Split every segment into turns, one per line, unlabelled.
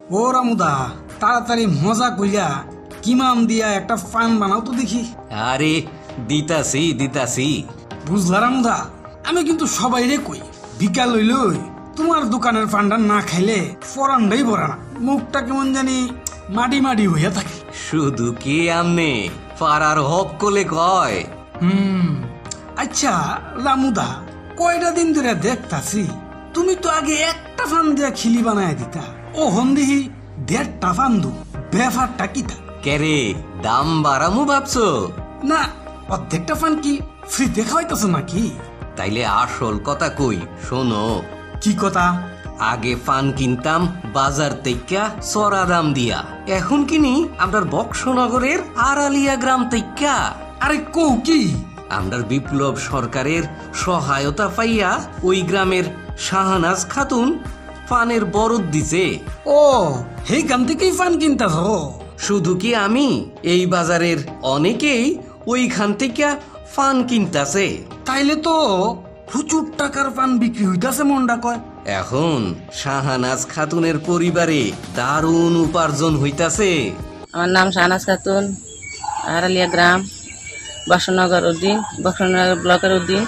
ও রামুদা, তাড়াতাড়ি মজা কইরা কিমাম দিয়া একটা ফান বানাও তো দেখি।
আরে দিতাছি দিতাছি।
বুঝলা রামুদা, আমি কিন্তু সবাইরে কই বিকাল হইলই তোমার দোকানের ফান্ডা না খাইলে ফরানটাই ভরা না, মুখটা কেমন জানি মাটি মাটি হইয়া থাকে।
শুধু কি আমনে পাড়ার হক কোলে কয়।
আচ্ছা রামুদা, কয়টা দিন ধরে দেখতাছি তুমি তো আগে একটা ফান দিয়া খিলি বানায় দিতা, ও হন্দিহি 1.5টা ফান্দু, ব্যাপারটা কিতা?
কেরে দাম বাড়ামু ভাবছো?
না, অর্ধেকটা ফান কি ফ্রিতে খাওয়াইতেছ নাকি?
তাইলে আসল কথা কই শোনো।
কি কথা?
আগে পান কিনতাম বাজার তেইকা চড়া দাম দিয়া, এখন কিনি আমরার বক্সনগরের আড়ালিয়া গ্রাম তেইকা।
আরে কৌ কি?
আমরার বিপ্লব সরকারের সহায়তা পাইয়া ওই গ্রামের শাহানাজ খাতুন পানের বরদ দিছে।
ও, সেইখান থেকেই ফান কিনতাছ?
শুধু কি আমি, এই বাজারের অনেকেই ওইখান থেকে পান কিনতাছে।
তাইলে তো প্রচুর টাকার পান বিক্রি হইতাছে মন্ডা কয়।
এখন শাহানাজ খাতুনের পরিবারে দারুণ উপার্জন হইতাছে।
আমার নাম শাহনাজ খাতুন, আড়ালিয়া গ্রাম, বক্সনগর উদ্দিন, বক্সনগর ব্লকের উদ্দিন।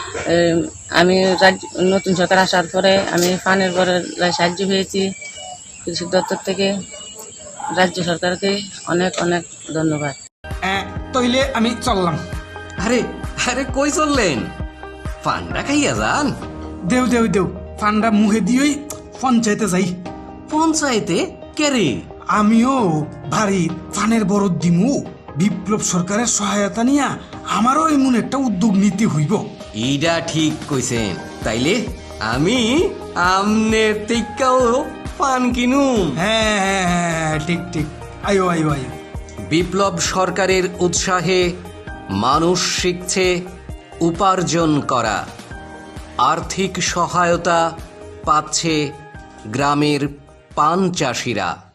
আমি নতুন সরকার আসার পরে আমি পানের পরে সাহায্য পেয়েছি কৃষি দপ্তর থেকে। রাজ্য সরকারকে অনেক অনেক ধন্যবাদ।
তইলে আমি চললাম।
আরে আরে কই চললেন? পান্ডা খাইয়া যান।
দেও দেও দেও, ফান্ডা মুখে দিয়েই পঞ্চায়েতে যাই।
পঞ্চায়েতে কেরে?
আমিও ভারী ফানের বরদ দিমু, বিপ্লব সরকারের সহায়তা নিয়া আমারও এমন একটা উদ্যোগ নিতে হইব।
এইটা ঠিক কইছেন। তাইলে আমি আমনের টিক্কাও পান কিনুম।
হ্যাঁ হ্যাঁ হ্যাঁ, ঠিক ঠিক, আয়ো আয়ো আয়ো।
বিপ্লব সরকারের উৎসাহে মানুষ শিখছে উপার্জন করা। আর্থিক সহায়তা পাচ্ছে গ্রামের পান চাষিরা।